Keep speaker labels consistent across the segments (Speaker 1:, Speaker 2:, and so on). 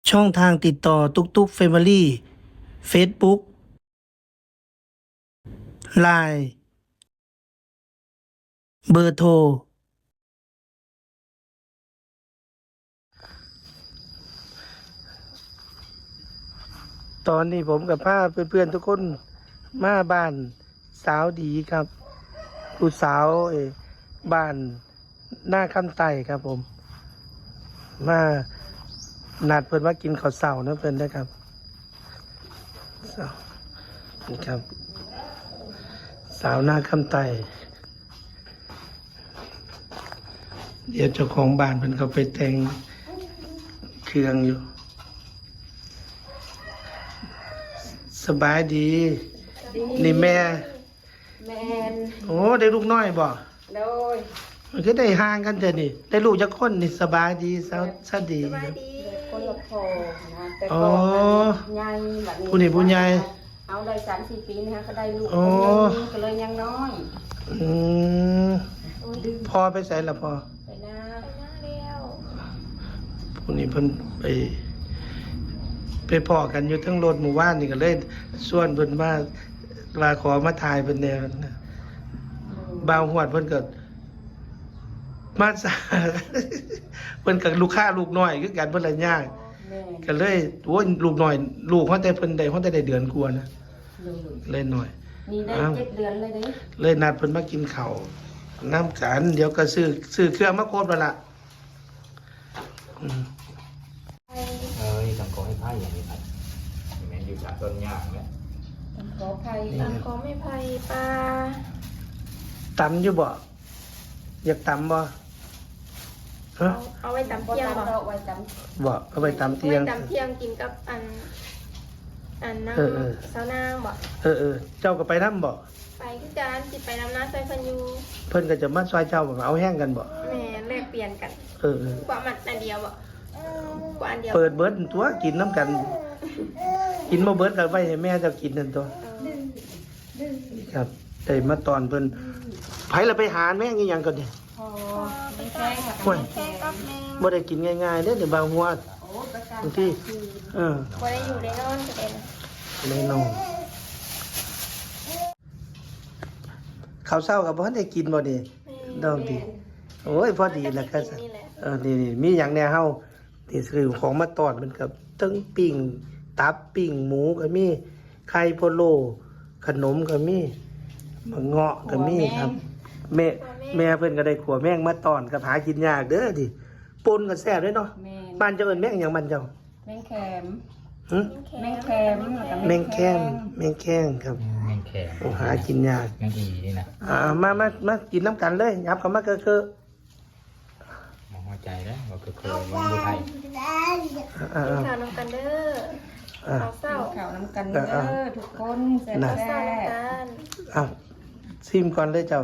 Speaker 1: ช่องทางติดต่อตุกตุกเฟมิลี่เฟซบุ๊กไลน์เบอร์โทรตอนนี้ผมกับป้าเพื่อนๆทุกคนมาบ้านสาวดีครับผู้สาวบ้านหน้าคำไต่ครับผมมานัดเพื่อนว่ากินข้าวเสานะเพื่อนนะครับสาวนี่ครับสาวหน้าคำไต่เดี๋ยวเจ้าของบ้านเพิ่นเขาไปแต่งเครื่องอยู่สบายดีนี่แม่
Speaker 2: แมน
Speaker 1: โอ้ได้ลูกน้อยบ่
Speaker 2: โดย
Speaker 1: มันก็ได้ห่างกันเถอะนี่ได้ลูกจักคนนี่สบายดีสวัสดีครับ
Speaker 2: คนละพอนะแต่
Speaker 1: อ๋อ
Speaker 2: ก่อนใหญ่แบบนี้
Speaker 1: ผู้นี่ผู้ใหญ่
Speaker 2: เอาได้3-4 ปีนะคะก็ได้ลูก
Speaker 1: อ๋อ
Speaker 2: คนหนึงก็เลยยังน้อย
Speaker 1: อืมพอไปใส่ละพอ
Speaker 2: ไปหน้าเดียว
Speaker 1: ผู้นี้เพิ่นไปพ้อกันอยู่ทั้งรถหมู่บ้านนี่ก็เลยส่วนเพิ่นว่าขอมาถ่ายเพิ่นแนวนะบ่าวหวดเพิ่นก็มาสา เพิ่นกับลูกค้าลูกน้อยคือกันเพิ่นละยาก
Speaker 2: แม่
Speaker 1: ก็เลยโอ้ยลูกน้อยลูกเขาแต่เพิ่นได้เขาแต่ได้เดือนกว่านะ
Speaker 2: เลย
Speaker 1: เลยหน่อย
Speaker 2: นี่ได้
Speaker 1: อ้าว
Speaker 2: 7 เดือนเลยเด้
Speaker 1: เลยนัดเพิ่นมากินข้าวน้ำกันเดี๋ยวก็ซื้อเครื่องมาครบแล้วล่ะอืม
Speaker 3: ต้องขอให้ไพ่อย่างนี้ครับแม่อยู่จากต้นยางเนี่ย
Speaker 2: ขออภัย
Speaker 4: ขอไม่ไผ่ปลา
Speaker 1: ตำอยู่บ่อยากตำบ่ฮะ
Speaker 4: เอาไว้ตำ
Speaker 2: บ่
Speaker 4: เที่ยง
Speaker 2: ตาม
Speaker 4: บ่
Speaker 2: ดอกไว้จ
Speaker 1: บ่เอาไปตำเที่ยง
Speaker 4: ไว้ตำเที่ยงกินกับอันน้
Speaker 1: เออ
Speaker 4: ำสาวนางบ่
Speaker 1: เออเจ้าก็ไปนำบ่
Speaker 4: ไปคือการสิไปน้ำน้ำใส่เพันอยู
Speaker 1: เพิ่นก็จะมาซอยเจ้าบ่เอาแห้งกันบ่
Speaker 4: แหม่แลกเปลี่ยนกัน
Speaker 1: เออ
Speaker 4: กว่ามันอันเดียวบ่กว่าอันเดียว
Speaker 1: เปิดเบิดตัวกินน้ำกัน กินบ่เบิดก็ไว้ให้แม่เจ้ากินนั่นตัว นี่ครับได้มาตอนเพิ่นไผละไปหาแม่งอีหยังก่อนดิ
Speaker 2: ำพอไม่แค่ค่ะ
Speaker 1: โอ้ย
Speaker 4: แค่กับแม่
Speaker 1: บ่ได้กินง่ายๆเด้อเดี๋ยวบางหัว
Speaker 2: โอ้ประกัน
Speaker 1: บางทีเออ
Speaker 4: บ่ได้อยู่ได้นอนก็ได้นะ
Speaker 1: แน่นอนข้าวเช้ากับบ่ทันได้กินบ่นี่ดอกดีโอ้ยพอดีแล้วก็
Speaker 4: นี่แหละ
Speaker 1: นี่มีหยังแหน่เฮาที่ซื้อของมาตอนมันกับทั้งปิ้งตับปิ้งหมูก็มีไข่พะโล้ขนมก็มีมะเงาะก็มีครับ แม่เพิ่นก็ได้ขัวแมงมาตอนกับหากินยากเด้อดิปนก็แซ่บเด้อเนาะ
Speaker 2: แม่น
Speaker 1: บ้านเจ้าเอิ้นแมงหยังบ้านเจ้า
Speaker 2: แมงแคม
Speaker 1: หึ
Speaker 2: แมงแคมแล้วก็
Speaker 1: แมงแข้งแมงแข้งครับ
Speaker 3: แม่งแข็ง
Speaker 1: โอ้หากินยาก
Speaker 3: แม่งอีนี่นะ
Speaker 1: มากินน้ำกันเลยยับเข้ามาคือ
Speaker 3: มองหัวใจแล้วว่าคือวันดูไทย
Speaker 1: อ่า
Speaker 4: กินข้าวน้ำกันเด้อ
Speaker 1: อ่า
Speaker 4: ข้าวเศร้า
Speaker 2: ข่าวน้ำกันเด้อทุกคนแซ่บ
Speaker 1: น่ะ
Speaker 4: ข้าวเศร้า
Speaker 2: แซ่
Speaker 4: น้ำ
Speaker 2: บ
Speaker 4: กัน
Speaker 1: อ่ะซิมก่อนเลยเจ้า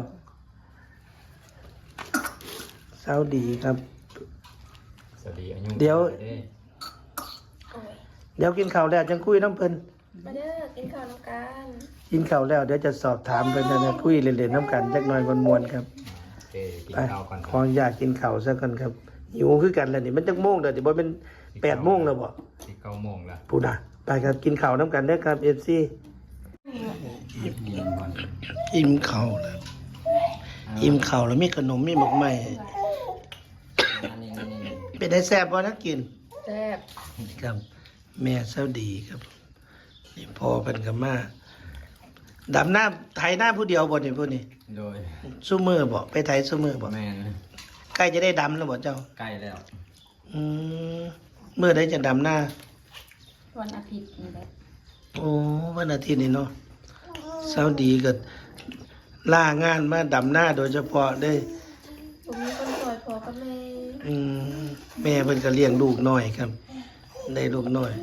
Speaker 1: เช้าดีครับ
Speaker 3: สวัสดีอายุ
Speaker 1: เดี๋ยว
Speaker 4: โอ้ย
Speaker 1: เดี๋ยวกินข้าวแล้วจังคุยน้ำเพิ่น
Speaker 4: มาเด้อกินข้าวน้ำกัน
Speaker 1: กินข้าวแล้วเดี๋ยวจะสอบถามเพิ่นนะคุยเล่นๆน้ำกันจักหน่อยมวนๆครับ
Speaker 3: โอเคกิน
Speaker 1: ไป
Speaker 3: ข้าวก่อน
Speaker 1: ขออนุญาตกินข้าวซะก่อนครับหิวคือกันแล้วนี่มันจักโมงแล้วนี่บ่เป็น8 โมงแล้วบ่
Speaker 3: ที่9 โมงแล้ว
Speaker 1: พูดน่ะไปครับกินข้าวน้ำกันเด้อครับ FC
Speaker 3: กินก่อน
Speaker 1: อิ่มข้าวแล้วอิ่มข้าวแล้วมีขนมมีหมกไหม้เป็นได้แซ่บบ่นะกิน
Speaker 2: แซ่บ
Speaker 1: ครับแม่เซาดีครับนี่พ่อเป็นกับมาดำหน้าไถหน้าผู้เดียวบ่นี่ผู้นี้
Speaker 3: โดย
Speaker 1: ซุมือบ่ไปไถซุมือบ่
Speaker 3: แม่น
Speaker 1: ใกล้จะได้ดำแล้วบ่เจ้า
Speaker 3: ใกล้แล้ว
Speaker 1: อืมเมื่อใดจะดำหน้า
Speaker 2: วันอาทิตย์นี่แหละ
Speaker 1: โอ้วันอาทิตย์นี่เนาะเซาดีก็ล่างานมาดำหน้าโดยเฉพาะได้
Speaker 4: ผมมีคนสวยพอกับแม่
Speaker 1: อืมแม่เพิ่นก็เลี้ยงลูกน้อยครับ ได้ลูกน้อย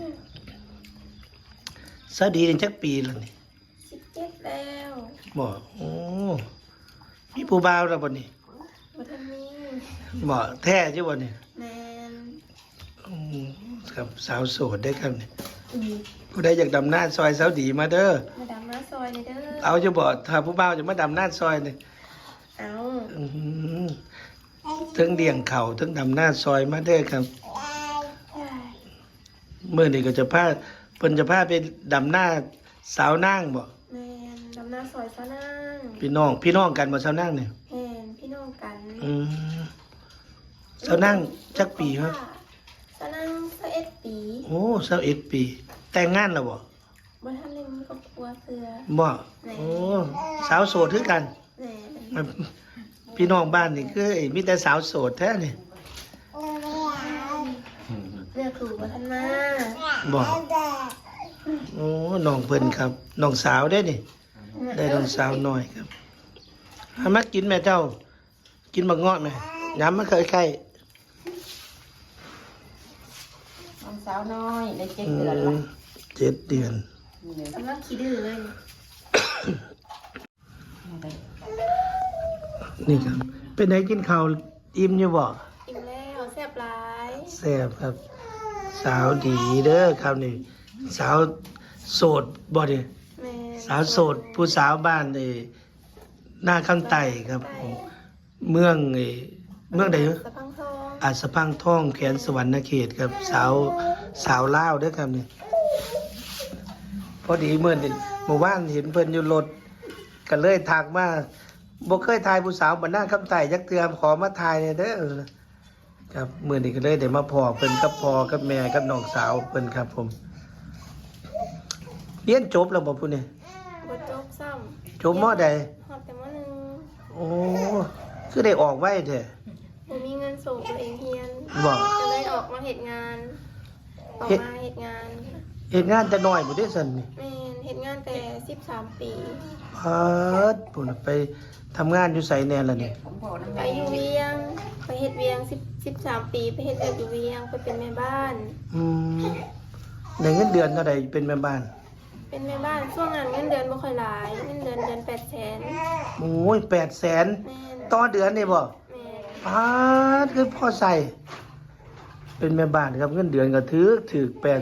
Speaker 1: เซาดีนี่จักปีแล้วนี่
Speaker 4: 17แล้ว
Speaker 1: บ่โอ้มีผู้บ่าวแล้วบ่นี่
Speaker 4: บ่ทันมี
Speaker 1: บ่แท้ใช่บ่นี่
Speaker 4: แม่น
Speaker 1: อืมครับสาวโสดได้ครับนี่ผู้ใดอยากดำหน้าซอยสาวดีมาเด้อ
Speaker 4: มาดำน้าซอยเลยเด้อ
Speaker 1: เอาจะบ่ถ้าผู้บ่าวจะมาดำหน้าซอยนี่
Speaker 4: เอา
Speaker 1: อื้อหือถึงเลี้ยงเขาถึงดำหน้าซอยมาเด้อครับเมื่อนี้ก็จะพาเพิ่นจะพาไปดำหน้าสาวนางบ่
Speaker 4: แม่นดำนาซอยซะนาง
Speaker 1: พี่น้องกันบ่สาวนางเนี่ย
Speaker 4: แม่นพี่น้องกัน
Speaker 1: สาวนางจักปีครับ
Speaker 4: ซะนาง21ปี
Speaker 1: โอ้21ปี แต่งงานแล้วบ่
Speaker 4: บ่ทันได้มีครอบครัวเสือ
Speaker 1: บ่โอ้สาวโสดคือกัน
Speaker 4: แม่น
Speaker 1: พี่น้องบ้านนี่คือไอ้มีแต่สาวโสดแท้นี่
Speaker 4: เลือกถูกบ่ทันมา
Speaker 1: บ่โอ้น้องเพิ่นครับน้องสาวได้นี่ได้น้องสาวน้อยครับเอามากินแม่เจ้า กินบักเงาะไหมย้ำมาเคยไข่
Speaker 2: น้องสาวน้อยได้7
Speaker 1: อื
Speaker 2: เดือนละ
Speaker 1: ม7 เดือน
Speaker 4: กำลังขี้ดื้อเลย
Speaker 1: นี่ครับ เป็นไงกินข้าวอิ่มอยู่บ่
Speaker 4: อิ่มแล้วแซ่บหลาย
Speaker 1: แซ่บครับ สาวดีเด้อครับนี่ สาวโสดบ่ดิ
Speaker 4: แม่น
Speaker 1: สาวโสดผู้สาวบ้านหน้าข้างใต้ครับผมเมืองเมืองใด
Speaker 4: สะพังทอง
Speaker 1: อาจสะพังท่องแขนสวรรณเขตครับ สาวลาวเด้อครับนี่พอดีเมื่อวานเห็นเพิ่นอยู่รถก็เลยทักมาบ่เคยทายผู้สาวบ้านหน้าข้างใต้จักเทื่อขอมาทายเนี่ยเด้อครับมื้อนี้ก็เลยได้มาพ้อเพิ่นกับพ่อกับแม่กับน้องสาวเพิ่นครับ ผมเรียนจบแล้วบ่ผู้นี้
Speaker 4: บ่จบซ้ำ
Speaker 1: จบมอใด
Speaker 4: ฮอดแต่มหนึ่ง
Speaker 1: โอ้คือได้ออกไว้แท้
Speaker 4: บ่มีเงินส่งตัวเองเรียน
Speaker 1: บ่
Speaker 4: ก็เลยออกมาเฮ็ดงาน ออก
Speaker 1: เฮ็ด
Speaker 4: มาเฮ็ดงาน
Speaker 1: เฮ็ดงานแต่น้อยบ่ได้ซั่นนี่
Speaker 4: แม่นเฮ็ดงานแต่13ปี
Speaker 1: เพิดปุ่นไปทำงานอยู่ไสแน่ล่ะนี่
Speaker 2: ผมบอกน้ำ
Speaker 4: ไป
Speaker 2: แม่
Speaker 4: อยู่เวียง ไปเฮ็ดเวียง13ปีไปเฮ็ดเวียงอยู่เวียงไปเป็นแม่บ้าน
Speaker 1: อืมได้เงินเดือนเท่าใดเป็นแม่บ้าน
Speaker 4: เป็นแม่บ้านช่วงนั้นเงินเดือนบ่ค่อยหลายเงินเดือน800,000
Speaker 1: โอ้ย800,000
Speaker 4: แม่น
Speaker 1: ต่อเดือนนี่บ่
Speaker 4: แม่น
Speaker 1: พาดคือพอใส่ เป็นแม่บ้านครับเงินเดือนก็ถือ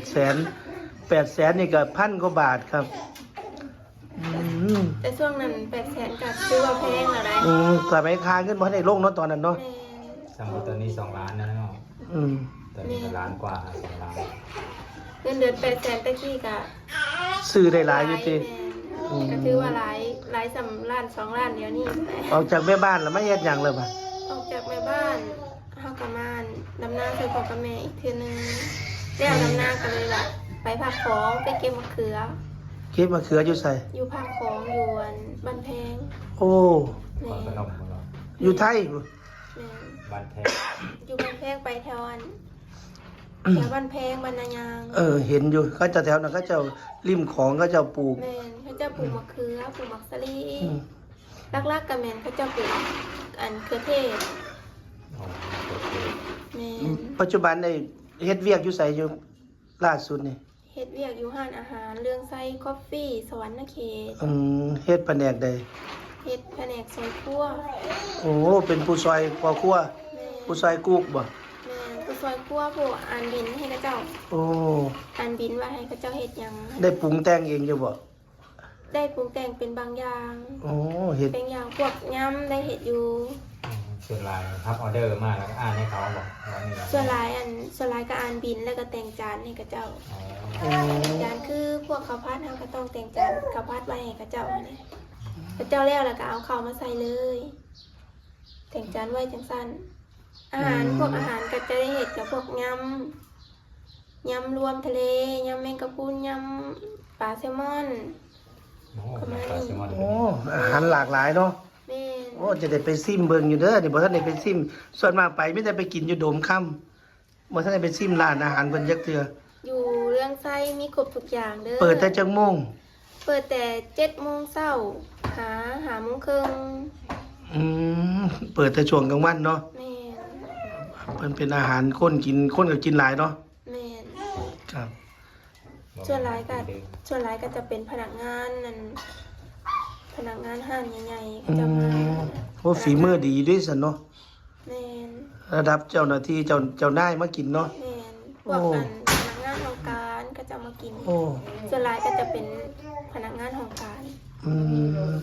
Speaker 1: 800,000นี่ก็1,000 กว่าบาทครับอืม
Speaker 4: แต่ช่วงนั้น800,000ก็ถือว่าแพงแล้วได้
Speaker 1: สมัยค้าเงินบ่ได้ลงเนาะตอนนั้นเนาะ
Speaker 4: แม่น
Speaker 3: สมมุติตอนนี้2 ล้านนะเนาะ
Speaker 1: อืม
Speaker 3: ตอนนี้ก็ล้านกว่า2 ล้าน
Speaker 4: เงินเดือน800,000แต่กี้ก็
Speaker 1: ซื้อได้หลายอยู่ติ
Speaker 4: แม่นก็ถือว่าหลายสำล้าน2ล้านเดี๋ยวนี้แหละ
Speaker 1: ออกจากแม่บ้านแล้วมาเฮ็ดหยังเลยบ่ะ
Speaker 4: ออกจากแม่บ้านเฮากะมานดำนาใส่พ่อกับแม่อีกเทื่อนึงแล้วดำนากันเลยล่ะไปภาคของไปเก็บมะเขือ
Speaker 1: เก็บมะเขืออยู่ใส่
Speaker 4: อยู่ภาคของอยู่อันบ้านแพง
Speaker 1: โอ้
Speaker 4: แม่
Speaker 3: ก่อนขนมของเรา
Speaker 1: อยู่ไทย
Speaker 4: แม่
Speaker 3: บ้านแท้
Speaker 4: อยู่บ้านแพงไปแถวอันแถวบ้านแพงบ้านนายาง
Speaker 1: เห็นอยู่เขาจะแถวนั้นเขาจะริมของเขาจะปลูก
Speaker 4: แม่นเขาจะปลูกมะเขือปลูกมักสลี
Speaker 1: อืม
Speaker 4: ลักๆกับแม่นเขาจะปลูกอันเครือเทศ
Speaker 3: อ๋อโอเค
Speaker 4: แม่น
Speaker 1: ปัจจุบันในเฮ็ดเวียกอยู่ใส่อยู่ล่าสุดนี่
Speaker 4: เฮ็ดเวียกอยู่ห้านอาหารเรื่องไส้คอฟฟี่สวรรค์เขต
Speaker 1: เฮ็ดแผนกใด
Speaker 4: เฮ็ดแผนกซอยครัว
Speaker 1: โอ้เป็นผู้ซอยพ่อครัว
Speaker 4: แม่
Speaker 1: ผู้ซอยกุ๊กบ่
Speaker 4: แม่ผู้ซอยครัวผู้อ่านบินให้เขาเจ้า
Speaker 1: โอ้
Speaker 4: อ่านบินว่าให้เขาเจ้าเฮ็ดหยัง
Speaker 1: ได้ปรุงแต่งเองอยู่บ่
Speaker 4: ได้ปรุงแต่งเป็นบางอย่าง
Speaker 1: โอ้เฮ็ด
Speaker 4: เป็นอย่างพวกยำได้เฮ็ดอยู่
Speaker 3: ส่วนลายครับออเดอร์มาแล้วก็อ่านให้เขาบอกว่านี่
Speaker 4: ส่วนหลายก็อ่านบินแล้วก็แต่งจานให้เขาเจ้า
Speaker 3: อ๋อ
Speaker 1: โอ้
Speaker 4: จานคือพวกข้าวผัดเฮาก็ต้องแต่งจานข้าวผัดไว้ให้เขาเจ้าเนี่ยเขาเจ้าแล้วก็เอาข้าวมาใส่เลย แต่งจานไว้จังซั่นอาหารพวกอาหารก็จะได้เฮ็ดกับพวกยำรวมทะเลยำแมงกะพรุนยำปลาแซลมอน
Speaker 3: โอ้ปลาแซลมอน
Speaker 1: โอ้อาหารหลากหลายเนาะ
Speaker 4: แม่น
Speaker 1: โอ้จะได้ไปซิมเบิ่งอยู่เด้อนี่บ่ทันได้ไปซิมส่วนมากไปมีแต่ไปกินอยู่โดมค่ำบ่ทันได้ไปซิมร้านอาหารเพิ่นจักเทื่อ
Speaker 4: อยู่เรื่องไส้มีครบทุกอย่างเด้อ
Speaker 1: เปิดแต่จักโมง
Speaker 4: เปิดแต่7:00 นหาโมงครึ่ง
Speaker 1: อืมเปิดแต่ช่วงกลางวันเนาะ
Speaker 4: แม่น
Speaker 1: มันเป็นอาหารคนก็กินหลายเนาะ
Speaker 4: แม่น
Speaker 1: ครับ
Speaker 4: ส่วนหลายก็จะเป็นพนักงานนั่นพนักงานห้างใหญ่ๆก็จะมา
Speaker 1: โอ้ฝีมือดีด้วยสันเนาะ
Speaker 4: แม่น
Speaker 1: ระดับเจ้าหน้าที่เจ้านายมากินเนาะ
Speaker 4: แม่นพวกกันพนักงานของการก็จะมากิน
Speaker 1: โอ้
Speaker 4: ส่วนหลายก็จะเป็นพนักงานของการ
Speaker 1: อืม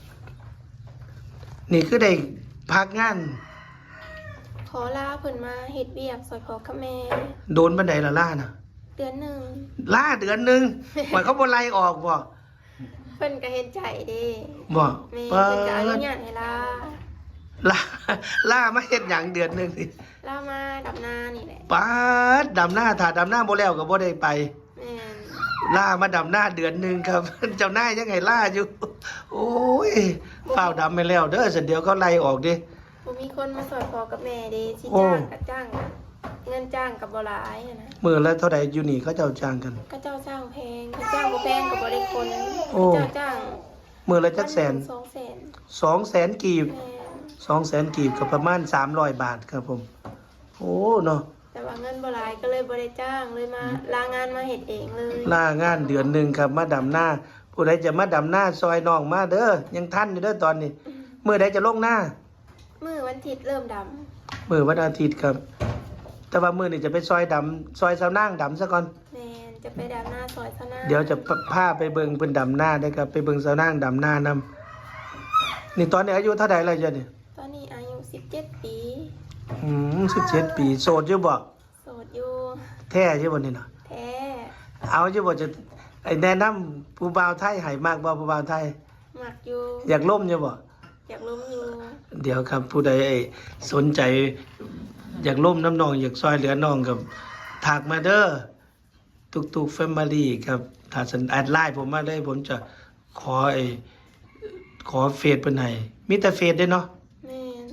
Speaker 1: นี่คือได้พักงาน
Speaker 4: ขอลาเพิ่นมาเฮ็ดเวียกซอยพ่อกับแม่
Speaker 1: โดนบันไดละล่าน่ะ
Speaker 4: เดือนหนึ่ง
Speaker 1: ล่าเดือนหนึงหมายเขาบ่ไล่ออกบ่
Speaker 4: เพิ่นก็เห็นใจเด้
Speaker 1: บ่
Speaker 4: แม่
Speaker 1: เปิ
Speaker 4: เพิ่นก็อนุ
Speaker 1: ด
Speaker 4: ญาตให้ลา
Speaker 1: ล่าล่ามาเฮ็ดหยังเดือนหนึงนี่
Speaker 4: ลามาดับนานี่แหละ
Speaker 1: ปาดดำหน้าถ้าดำหน้าบ่แล้วก็บ่ได้ไป
Speaker 4: แม่น
Speaker 1: ล่ามาดำหน้าเดือนหนึงครับ เจ้านายยังไงล่าอยู่ โอ้ยเฝ้าวดำไปแล้วเด้อสันเดียวเขาไล่ออกดิ
Speaker 4: บ่มีคนมาสอนพ่อกับแม่เด้สิ
Speaker 1: โอ้
Speaker 4: จ้างก็จ้างเงินจ้างก็บ่หลายอะนะ
Speaker 1: มื้อละเท่าใดอยู่นี่เขาเจ้าจ้างกัน
Speaker 4: ก็เจ้าจ้างแพงก็จ้างบ่แพงก็บ่ได้คน
Speaker 1: โอ้
Speaker 4: เจ้าจ้าง
Speaker 1: มื้อละจักแสน
Speaker 4: 200,000
Speaker 1: 200,000กีบ
Speaker 4: แม่น
Speaker 1: 200,000กีบก็ประมาณ300 บาทครับผม โอ้เนาะ
Speaker 4: แต่ว่าเงินบ่หลายก็เลยบ่ได้จ้างเลยมาลางานมาเฮ็ดเองเลย
Speaker 1: ล่างานเดือนหนึงครับมาดำหน้า ผู้ใดจะมาดำหน้าซอยน้องมาเด้อยังทันอยู่เด้อตอนนี้มื้อใดจะลงหน้า
Speaker 4: มื้อวันอาทิตย์เริ่มดำ
Speaker 1: มื้อวันอาทิตย์ครับ แต่ว่ามื้อนี้จะไปซอยดำซอยสาวนางดำซะก่อน
Speaker 4: แม่นจะไปดำหน้าซอยซะหน้า
Speaker 1: เดี๋ยวจะพาไปเบิ่งเพิ่นดำหน้าได้ครับ ไปเบิ่งสาวนางดำหน้านำนี่ตอนนี้อายุเท่าใดแล้วจ้ะนี่
Speaker 4: ตอนนี้อายุ17 ปี
Speaker 1: 17 ปีโสดอยู่บ่
Speaker 4: โสดอยู่
Speaker 1: แท้อยู่บ่นี่เนาะ
Speaker 4: แท้
Speaker 1: เอาอยู่บ่จะไอ้แนะนำผู้บ่าวไทยให้มากบ่ผู้บ่าวไทย
Speaker 4: มักอยู่
Speaker 1: อยากล่มอยู่บ่
Speaker 4: อยากล้มอยู่
Speaker 1: เดี๋ยวครับผู้ใดสนใจ อยากล่มน้ำน้องอยากซอยเหลือน้องกับทักมาเด้อตุกแฟมิลี่ครับถ้าสันแอดไลน์ผมมาเลยผมจะขอขอเฟซเพิ่นให้มีแต่เฟซเด้อเนาะ
Speaker 4: แม่น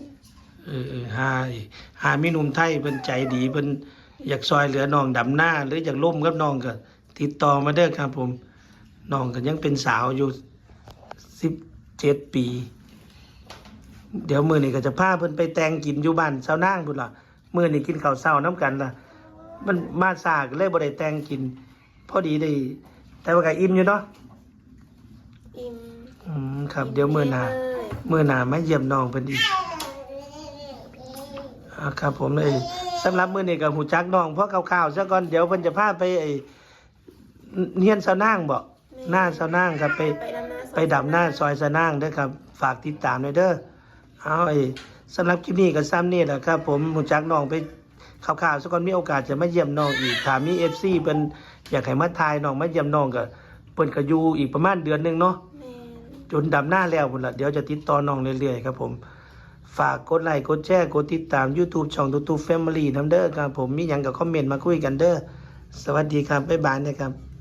Speaker 1: หามีหนุ่มไทยเพิ่นใจดีเพิ่นอยากซอยเหลือน้องดำหน้า หรืออยากล่มกับน้องก็ติดต่อมาเด้อครับผมน้องก็ยังเป็นสาวอยู่17 ปี เดี๋ยวมื้อนี้ก็จะพาเพิ่นไปแต่งกินอยู่บ้านสาวนางพุ่นล่ะมื้อนี้กินข้าวเช้านํกันล่ะ มันมาซาก็เลยบ่ได้แต่งกิน พอดีได้ แต่ว่าก็อิ่มอยู่เนาะ
Speaker 4: อิ่ม
Speaker 1: ครับเดี๋ยวมื้อหน้า
Speaker 4: เลย
Speaker 1: มื้อหน้ามาเยี่ยมน้องเพิ่นอีกครับผมสำหรับมื้อนี้ก็ฮู้จักน้องเพราะคร่าวๆซะก่อนเดี๋ยวเพิ่นจะพาไปเฮียนสาวนางบ่หน้าสาวนางครับไปดำหน้าซอยสาวนางเด้อครับ ฝากติดตามด้วยเด้อเอาสำหรับคลิปนี้ก็ซ้ำนี่แหละครับ ผมฮู้จักน้องไปคร่าวๆซะก่อนมีโอกาสจะมาเยี่ยมน้องอีกถ้ามี FC เพิ่นอยากให้มาถ่ายน้องมาเยี่ยมน้องก็เพิ่นก็อยู่อีกประมาณเดือนหนึงเนาะ
Speaker 4: แม่น
Speaker 1: จนดำหน้าแล้วพุ่นละเดี๋ยวจะติดต่อน้องเรื่อยๆครับผม ฝากกดไลค์กดแชร์กดติดตาม YouTube ช่องตูตูแฟมิลี่น้ำเด้อครับผมมีหยังก็คอมเมนต์มาคุยกันเด้อสวัสดีครับบ๊ายบายนะครับ